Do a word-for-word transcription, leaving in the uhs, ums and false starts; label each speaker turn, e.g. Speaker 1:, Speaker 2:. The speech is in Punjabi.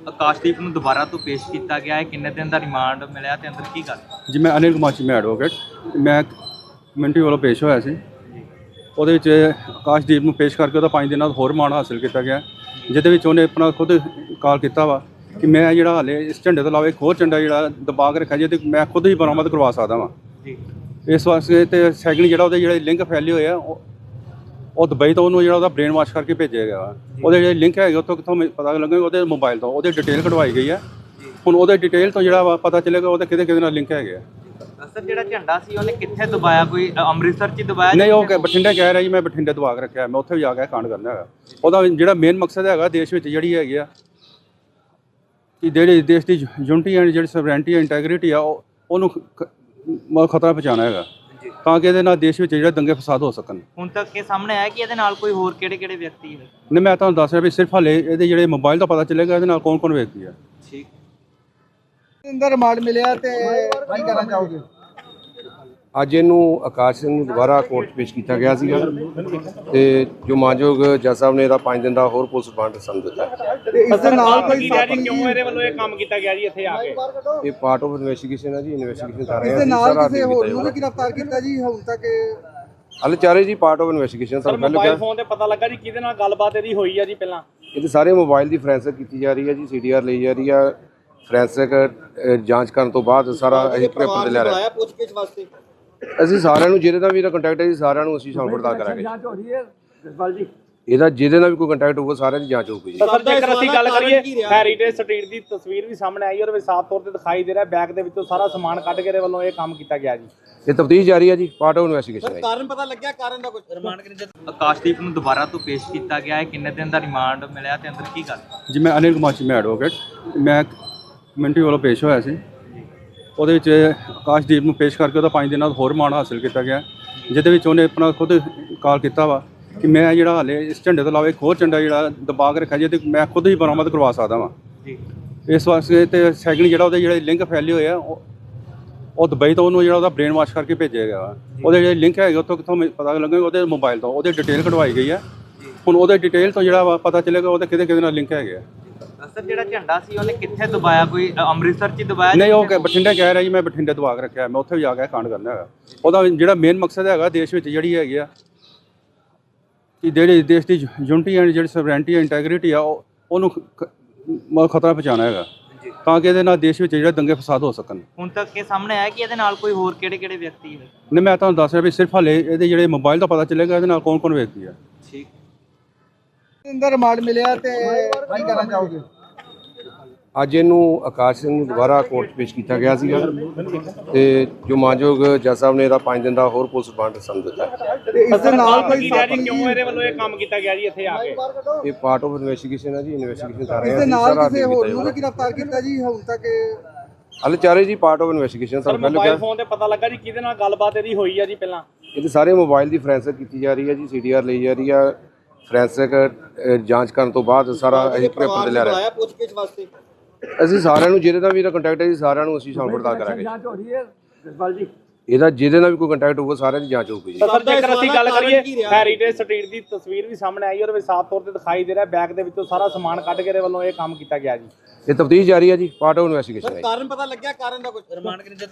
Speaker 1: ਆਕਾਸ਼ਦੀਪ ਨੂੰ ਦੁਬਾਰਾ ਤੋਂ ਪੇਸ਼ ਕੀਤਾ ਗਿਆ ਹੈ। ਕਿੰਨੇ ਦਿਨ ਦਾ ਰਿਮਾਂਡ ਮਿਲਿਆ ਤੇ ਅੰਦਰ ਕੀ ਗੱਲ?
Speaker 2: ਜੀ ਮੈਂ ਅਨਿਲ ਕੁਮਾਰ ਚੀਮਾ ਐਡਵੋਕੇਟ ਮੈਂ ਕਮਿਊਨਿਟੀ ਵੱਲੋਂ ਪੇਸ਼ ਹੋਇਆ ਸੀ। ਉਹਦੇ ਵਿੱਚ ਆਕਾਸ਼ਦੀਪ ਨੂੰ ਪੇਸ਼ ਕਰਕੇ ਉਹਦਾ ਪੰਜ ਦਿਨਾਂ ਦਾ ਹੋਰ ਰਿਮਾਂਡ ਹਾਸਿਲ ਕੀਤਾ ਗਿਆ, ਜਿਹਦੇ ਵਿੱਚ ਉਹਨੇ ਆਪਣਾ ਖੁਦ ਕਾਲ ਕੀਤਾ ਵਾ ਕਿ ਮੈਂ ਜਿਹੜਾ ਹਾਲੇ ਇਸ ਝੰਡੇ ਤੋਂ ਇਲਾਵਾ ਇੱਕ ਹੋਰ ਝੰਡਾ ਜਿਹੜਾ ਦਬਾ ਕੇ ਰੱਖਿਆ, ਜੇ ਤੇ ਮੈਂ ਖੁਦ ਹੀ ਬਰਾਮਦ ਕਰਵਾ ਸਕਦਾ ਵਾਂ
Speaker 1: ਜੀ।
Speaker 2: ਇਸ ਵਾਸਤੇ ਤੇ ਸੈਕਿੰਡ ਜਿਹੜਾ ਉਹਦੇ ਜਿਹੜੇ ਲਿੰਕ ਫੈਲੇ ਹੋਏ ਆ ਉਹ ਉਹ ਦੁਬਈ ਤੋਂ ਉਹਨੂੰ ਜਿਹੜਾ ਉਹਦਾ ਬ੍ਰੇਨ ਵਾਸ਼ ਕਰਕੇ ਭੇਜਿਆ ਗਿਆ ਵਾ। ਉਹਦੇ ਜਿਹੜੇ ਲਿੰਕ ਹੈਗੇ ਉੱਥੋਂ ਕਿੱਥੋਂ ਪਤਾ ਲੱਗੇਗਾ, ਉਹਦੇ ਮੋਬਾਈਲ ਤੋਂ ਉਹਦੀ ਡਿਟੇਲ ਕਢਵਾਈ ਗਈ ਹੈ। ਹੁਣ ਉਹਦੇ ਡਿਟੇਲ ਤੋਂ ਜਿਹੜਾ ਵਾ ਪਤਾ ਚੱਲੇਗਾ ਉਹਦੇ ਕਿਹਦੇ ਕਿਹਦੇ ਨਾਲ ਲਿੰਕ ਹੈਗੇ ਆ।
Speaker 1: ਸਰ ਜਿਹੜਾ ਝੰਡਾ ਸੀ ਉਹਨੇ ਕਿੱਥੇ ਦਬਾਇਆ? ਕੋਈ ਅੰਮ੍ਰਿਤਸਰ 'ਚ ਦਬਾਇਆ?
Speaker 2: ਨਹੀਂ, ਉਹ ਬਠਿੰਡੇ ਕਹਿ ਰਿਹਾ ਜੀ ਮੈਂ ਬਠਿੰਡੇ ਦਬਾ ਕੇ ਰੱਖਿਆ, ਮੈਂ ਉੱਥੇ ਵੀ ਜਾ ਕੇ ਕਾਂਡ ਕਰਨਾ ਹੈਗਾ। ਉਹਦਾ ਜਿਹੜਾ ਮੇਨ ਮਕਸਦ ਹੈਗਾ ਦੇਸ਼ ਵਿੱਚ ਜਿਹੜੀ ਹੈਗੀ ਆ ਕਿ ਜਿਹੜੀ ਦੇਸ਼ ਦੀ ਯੂਨਿਟੀ ਐਂਡ ਜਿਹੜੀ ਸਵਰੈਂਟੀ ਇੰਟੈਗ੍ਰਿਟੀ ਆ ਉਹ ਉਹਨੂੰ ਖਤਰਾ ਪਹੁੰਚਾਉਣਾ ਹੈਗਾ, ਤਾਂ ਕਿ ਇਹਦੇ ਨਾਲ ਦੇਸ਼ ਵਿੱਚ ਜਿਹੜੇ ਦੰਗੇ ਫਸਾਦ ਹੋ ਸਕਣ।
Speaker 1: ਹੁਣ ਤੱਕ ਇਹ ਸਾਹਮਣੇ ਆਇਆ ਕਿ ਇਹਦੇ ਨਾਲ ਕੋਈ ਹੋਰ ਕਿਹੜੇ ਕਿਹੜੇ ਵਿਅਕਤੀ ਹੈ?
Speaker 2: ਨਹੀਂ, ਮੈਂ ਤੁਹਾਨੂੰ ਦੱਸ ਰਿਹਾ ਵੀ ਸਿਰਫ ਹਾਲੇ ਇਹਦੇ ਜਿਹੜੇ ਮੋਬਾਈਲ ਦਾ ਪਤਾ ਚੱਲੇਗਾ ਇਹਦੇ ਨਾਲ ਕੌਣ ਕੌਣ ਵਿਅਕਤੀ ਆ।
Speaker 1: ਠੀਕ।
Speaker 3: ਅੰਦਰ ਰਿਮਾਂਡ ਮਿਲਿਆ ਤੇ ਕੀ ਕਰਨਾ ਚਾਹੋਗੇ?
Speaker 4: ਅੱਜ ਇਹਨੂੰ ਆਕਾਸ਼ ਸਿੰਘ ਨੂੰ ਦੁਬਾਰਾ ਕੋਰਟ 'ਚ ਪੇਸ਼ ਕੀਤਾ ਗਿਆ ਸੀਗਾ ਤੇ ਜੋ ਮਾਨਯੋਗ ਜੱਜ ਸਾਹਿਬ ਨੇ ਇਹਦਾ ਪੰਜ ਦਿਨ ਦਾ ਹੋਰ ਪੁਲਿਸ ਰਿਮਾਂਡ ਸਮਝ ਦਿੱਤਾ।
Speaker 3: ਤੇ ਇਸ ਦੇ ਨਾਲ ਕੋਈ ਸਾਥੀ
Speaker 5: ਕਿਉਂ ਇਹਦੇ ਵੱਲੋਂ ਇਹ ਕੰਮ ਕੀਤਾ ਗਿਆ ਜੀ ਇੱਥੇ ਆ ਕੇ?
Speaker 4: ਇਹ ਪਾਰਟ ਆਫ ਇਨਵੈਸਟੀਗੇਸ਼ਨ ਹੈ ਜੀ, ਇਨਵੈਸਟੀਗੇਸ਼ਨ ਕਰ ਰਹੇ
Speaker 3: ਇਸ
Speaker 4: ਹਾਂ
Speaker 3: ਦੇ
Speaker 4: ਅਸੀਂ
Speaker 3: ਨਾਲ
Speaker 4: ਸਾਰਾ
Speaker 3: ਕਿਸੇ ਹੋਰ ਨੂੰ ਵੀ
Speaker 4: ਕੀਤਾ
Speaker 3: ਗ੍ਰਿਫਤਾਰ ਕੀਤਾ ਜੀ ਹੁਣ ਤੱਕ?
Speaker 4: ਹਲੇ ਚਾਰੇ ਜੀ ਪਾਰਟ ਆਫ ਇਨਵੈਸਟੀਗੇਸ਼ਨ
Speaker 5: ਸਰ
Speaker 4: ਤੁਹਾਨੂੰ ਪਹਿਲਾਂ
Speaker 5: ਮੋਬਾਈਲ
Speaker 4: ਕਿਹਾ
Speaker 5: ਫੋਨ ਤੇ ਪਤਾ ਲੱਗਾ ਜੀ ਕਿਹਦੇ ਨਾਲ ਗੱਲਬਾਤ ਇਹਦੀ ਹੋਈ ਆ ਜੀ ਪਹਿਲਾਂ?
Speaker 4: ਇਹਦੇ ਸਾਰੇ ਮੋਬਾਈਲ ਦੀ ਫੋਰੈਂਸਿਕ ਕੀਤੀ ਜਾ ਰਹੀ ਹੈ ਜੀ, ਸੀਡੀਆਰ ਲਈ ਜਾ ਰਹੀ ਆ। ਫੋਰੈਂਸਿਕ ਜਾਂਚ ਕਰਨ ਤੋਂ ਬਾਅਦ ਸਾਰਾ ਅਸੀਂ ਪੇਪਰ ਤੇ ਲੈ ਰਹੇ
Speaker 3: ਪੁੱਛਗਿੱਛ ਵਾਸਤੇ
Speaker 4: ਅਸੀਂ ਸਾਰਿਆਂ ਨੂੰ ਜਿਹਦੇ ਨਾਲ ਵੀ ਇਹਦਾ ਕੰਟੈਕਟ ਹੈ ਜੀ ਸਾਰਿਆਂ ਨੂੰ ਅਸੀਂ ਸ਼ਾਮਲ ਪੜਤਾਲ ਕਰਾਂਗੇ।
Speaker 3: ਜਾਂਚ ਹੋ ਰਹੀ ਹੈ ਜਸਪਾਲ ਜੀ?
Speaker 4: ਇਹਦਾ ਜਿਹਦੇ ਨਾਲ ਵੀ ਕੋਈ ਕੰਟੈਕਟ ਹੋਊਗਾ ਸਾਰਿਆਂ ਦੀ ਜਾਂਚ ਹੋਊਗੀ ਜੀ।
Speaker 5: ਸਰ ਜੇਕਰ ਅਸੀਂ ਗੱਲ ਕਰੀਏ ਹੈਰੀਟੇਜ ਸਟਰੀਟ ਦੀ ਤਸਵੀਰ ਵੀ ਸਾਹਮਣੇ ਆਈ, ਉਹਦੇ ਵਿੱਚ ਸਾਫ਼ ਤੌਰ ਤੇ ਦਿਖਾਈ ਦੇ ਰਿਹਾ ਬੈਗ ਦੇ ਵਿੱਚੋਂ ਸਾਰਾ ਸਮਾਨ ਕੱਢ ਕੇ ਇਹਦੇ ਵੱਲੋਂ ਇਹ ਕੰਮ ਕੀਤਾ ਗਿਆ ਜੀ।
Speaker 4: ਇਹ ਤਫਤੀਸ਼ ਜਾਰੀ ਹੈ ਜੀ, ਪਾਰਟ ਆਫ ਇਨਵੈਸਟੀਗੇਸ਼ਨ ਹੈ।
Speaker 3: ਕਾਰਨ ਪਤਾ ਲੱਗਿਆ ਕਾਰਨ ਦਾ ਕੁਝ?
Speaker 1: ਰਿਮਾਂਡ ਕਿੰਨੇ? ਆਕਾਸ਼ਦੀਪ ਨੂੰ ਦੁਬਾਰਾ ਤੋਂ ਪੇਸ਼ ਕੀਤਾ ਗਿਆ ਹੈ। ਕਿੰਨੇ ਦਿਨ ਦਾ ਰਿਮਾਂਡ ਮਿਲਿਆ ਤੇ ਅੰਦਰ ਕੀ ਗੱਲ?
Speaker 2: ਜੀ ਮੈਂ ਅਨਿਲ ਕੁਮਾਰ ਚੀਮਾ ਐਡਵੋਕੇਟ ਮੈਂ ਕਮਿਊਨਿਟੀ ਵੱਲੋਂ ਪੇਸ਼ ਹੋਇਆ ਸੀ। ਉਹਦੇ ਵਿੱਚ ਆਕਾਸ਼ਦੀਪ ਨੂੰ ਪੇਸ਼ ਕਰਕੇ ਉਹਦਾ ਪੰਜ ਦਿਨਾਂ ਦਾ ਹੋਰ ਰਿਮਾਂਡ ਹਾਸਿਲ ਕੀਤਾ ਗਿਆ, ਜਿਹਦੇ ਵਿੱਚ ਉਹਨੇ ਆਪਣਾ ਖੁਦ ਕਾਲ ਕੀਤਾ ਵਾ ਕਿ ਮੈਂ ਜਿਹੜਾ ਹਾਲੇ ਇਸ ਝੰਡੇ ਤੋਂ ਇਲਾਵਾ ਇੱਕ ਹੋਰ ਝੰਡਾ ਜਿਹੜਾ ਦਬਾ ਕੇ ਰੱਖਿਆ, ਜੇ ਤੇ ਮੈਂ ਖੁਦ ਹੀ ਬਰਾਮਦ ਕਰਵਾ ਸਕਦਾ ਵਾਂ
Speaker 1: ਜੀ।
Speaker 2: ਇਸ ਵਾਸਤੇ ਤੇ ਸੈਕਿੰਡ ਜਿਹੜਾ ਉਹਦੇ ਜਿਹੜੇ ਲਿੰਕ ਫੈਲੇ ਹੋਏ ਆ ਉਹ ਉਹ ਦੁਬਈ ਤੋਂ ਉਹਨੂੰ ਜਿਹੜਾ ਉਹਦਾ ਬ੍ਰੇਨ ਵਾਸ਼ ਕਰਕੇ ਭੇਜਿਆ ਗਿਆ ਵਾ। ਉਹਦੇ ਜਿਹੜੇ ਲਿੰਕ ਹੈਗੇ ਉੱਥੋਂ ਕਿੱਥੋਂ ਪਤਾ ਲੱਗੇਗਾ, ਉਹਦੇ ਮੋਬਾਈਲ ਤੋਂ ਉਹਦੀ ਡਿਟੇਲ ਕਢਵਾਈ ਗਈ ਹੈ। ਹੁਣ ਉਹਦੇ ਡਿਟੇਲ ਤੋਂ ਜਿਹੜਾ ਵਾ ਪਤਾ ਚੱਲੇਗਾ ਉਹਦੇ ਕਿਹਦੇ ਕਿਹਦੇ ਨਾਲ ਲਿੰਕ ਹੈਗੇ ਆ।
Speaker 1: ਸਰ ਜਿਹੜਾ ਝੰਡਾ ਸੀ ਉਹਨੇ ਕਿੱਥੇ ਦਬਾਇਆ? ਕੋਈ ਅੰਮ੍ਰਿਤਸਰ 'ਚ ਦਬਾਇਆ?
Speaker 2: ਨਹੀਂ, ਉਹ ਬਠਿੰਡੇ ਕਹਿ ਰਿਹਾ ਜੀ ਮੈਂ ਬਠਿੰਡੇ ਦਬਾ ਕੇ ਰੱਖਿਆ, ਮੈਂ ਉੱਥੇ ਵੀ ਜਾ ਕੇ ਕਾਂਡ ਕਰਨਾ ਹੈਗਾ। ਉਹਦਾ ਜਿਹੜਾ ਮੇਨ ਮਕਸਦ ਹੈਗਾ ਦੇਸ਼ ਵਿੱਚ ਜਿਹੜੀ ਹੈਗੀ ਆ ਕਿ ਜਿਹੜੀ ਦੇਸ਼ ਦੀ ਯੂਨਿਟੀ ਐਂਡ ਜਿਹੜੀ ਸਵਰੈਂਟੀ ਇੰਟੈਗ੍ਰਿਟੀ ਆ ਉਹ ਉਹਨੂੰ ਖਤਰਾ ਪਹੁੰਚਾਉਣਾ ਹੈਗਾ, ਤਾਂ ਕਿ ਇਹਦੇ ਨਾਲ ਦੇਸ਼ ਵਿੱਚ ਜਿਹੜੇ ਦੰਗੇ ਫਸਾਦ ਹੋ ਸਕਣ।
Speaker 1: ਹੁਣ ਤੱਕ ਇਹ ਸਾਹਮਣੇ ਆਇਆ ਕਿ ਇਹਦੇ ਨਾਲ ਕੋਈ ਹੋਰ ਕਿਹੜੇ ਕਿਹੜੇ ਵਿਅਕਤੀ ਹੈ?
Speaker 2: ਨਹੀਂ, ਮੈਂ ਤੁਹਾਨੂੰ ਦੱਸ ਰਿਹਾ ਵੀ ਸਿਰਫ ਹਾਲੇ ਇਹਦੇ ਜਿਹੜੇ ਮੋਬਾਈਲ ਦਾ ਪਤਾ ਚੱਲੇਗਾ ਇਹਦੇ ਨਾਲ ਕੌਣ ਕੌਣ ਵਿਅਕਤੀ ਆ।
Speaker 1: ਠੀਕ।
Speaker 3: ਅੰਦਰ ਰਿਮਾਂਡ ਮਿਲਿਆ ਤੇ ਕੀ ਕਰਨਾ ਚਾਹੋਗੇ?
Speaker 4: ਅੱਜ ਇਹਨੂੰ ਆਕਾਸ਼ ਸਿੰਘ ਨੂੰ ਦੁਬਾਰਾ ਕੋਰਟ 'ਚ ਪੇਸ਼ ਕੀਤਾ ਗਿਆ ਸੀਗਾ ਤੇ ਜੋ ਮਾਨਯੋਗ ਜੱਜ ਸਾਹਿਬ ਨੇ ਇਹਦਾ ਪੰਜ ਦਿਨ ਦਾ ਹੋਰ ਪੁਲਿਸ ਰਿਮਾਂਡ ਸਮਝ ਦਿੱਤਾ।
Speaker 3: ਤੇ ਇਸ ਦੇ ਨਾਲ ਕੋਈ ਸਾਥੀ
Speaker 5: ਕਿਉਂ ਇਹਦੇ ਵੱਲੋਂ ਇਹ ਕੰਮ ਕੀਤਾ ਗਿਆ ਜੀ ਇੱਥੇ ਆ ਕੇ?
Speaker 4: ਇਹ ਪਾਰਟ ਆਫ ਇਨਵੈਸਟੀਗੇਸ਼ਨ ਹੈ ਜੀ, ਇਨਵੈਸਟੀਗੇਸ਼ਨ ਕਰ ਰਹੇ
Speaker 3: ਇਸ
Speaker 4: ਹਾਂ
Speaker 3: ਦੇ
Speaker 4: ਅਸੀਂ
Speaker 3: ਨਾਲ
Speaker 4: ਸਾਰਾ
Speaker 3: ਕਿਸੇ ਹੋਰ ਨੂੰ ਵੀ ਗ੍ਰਿਫਤਾਰ ਕੀਤਾ ਜੀ ਹੁਣ ਤੱਕ?
Speaker 4: ਹਲੇ ਚਾਰੇ ਜੀ ਪਾਰਟ ਆਫ ਇਨਵੈਸਟੀਗੇਸ਼ਨ
Speaker 5: ਸਰ
Speaker 4: ਤੁਹਾਨੂੰ ਪਹਿਲਾਂ
Speaker 5: ਮੋਬਾਈਲ
Speaker 4: ਕਿਹਾ
Speaker 5: ਫੋਨ ਤੇ ਪਤਾ ਲੱਗਾ ਜੀ ਕਿਹਦੇ ਨਾਲ ਗੱਲਬਾਤ ਇਹਦੀ ਹੋਈ ਆ ਜੀ ਪਹਿਲਾਂ?
Speaker 4: ਇਹਦੇ ਸਾਰੇ ਮੋਬਾਈਲ ਦੀ ਫੋਰੈਂਸਿਕ ਕੀਤੀ ਜਾ ਰਹੀ ਹੈ ਜੀ, ਸੀਡੀਆਰ ਲਈ ਜਾ ਰਹੀ ਆ। ਫੋਰੈਂਸਿਕ ਜਾਂਚ ਕਰਨ ਤੋਂ ਬਾਅਦ ਸਾਰਾ ਅਸੀਂ ਪੇਪਰ ਤੇ ਲੈ ਰਹੇ
Speaker 3: ਪੁੱਛਗਿੱਛ ਵਾਸਤੇ
Speaker 4: ਅਸੀਂ ਸਾਰਿਆਂ ਨੂੰ ਜਿਹਦੇ ਨਾਲ ਵੀ ਇਹਦਾ ਕੰਟੈਕਟ ਹੈ ਜੀ ਸਾਰਿਆਂ ਨੂੰ ਅਸੀਂ ਸ਼ਾਮਲ ਪੜਤਾਲ ਕਰਾਂਗੇ।
Speaker 3: ਜਾਂਚ ਹੋ ਰਹੀ ਹੈ ਜਸਪਾਲ ਜੀ?
Speaker 4: ਇਹਦਾ ਜਿਹਦੇ ਨਾਲ ਵੀ ਕੋਈ ਕੰਟੈਕਟ ਹੋਊਗਾ ਸਾਰਿਆਂ ਦੀ ਜਾਂਚ ਹੋਊਗੀ ਜੀ।
Speaker 5: ਸਰ ਜੇਕਰ ਅਸੀਂ ਗੱਲ ਕਰੀਏ ਹੈਰੀਟੇਜ ਸਟਰੀਟ ਦੀ ਤਸਵੀਰ ਵੀ ਸਾਹਮਣੇ ਆਈ, ਉਹਦੇ ਵਿੱਚ ਸਾਫ਼ ਤੌਰ ਤੇ ਦਿਖਾਈ ਦੇ ਰਿਹਾ ਬੈਗ ਦੇ ਵਿੱਚੋਂ ਸਾਰਾ ਸਮਾਨ ਕੱਢ ਕੇ ਇਹਦੇ ਵੱਲੋਂ ਇਹ ਕੰਮ ਕੀਤਾ ਗਿਆ ਜੀ।
Speaker 4: ਇਹ ਤਫਤੀਸ਼ ਜਾਰੀ ਹੈ ਜੀ, ਪਾਰਟ ਆਫ ਇਨਵੈਸਟੀਗੇਸ਼ਨ ਹੈ।
Speaker 3: ਕਾਰਨ ਪਤਾ ਲੱਗਿਆ ਕਾਰਨ ਦਾ ਕੁਝ? ਰਿਮਾਂਡ ਕਿੰਨੇ?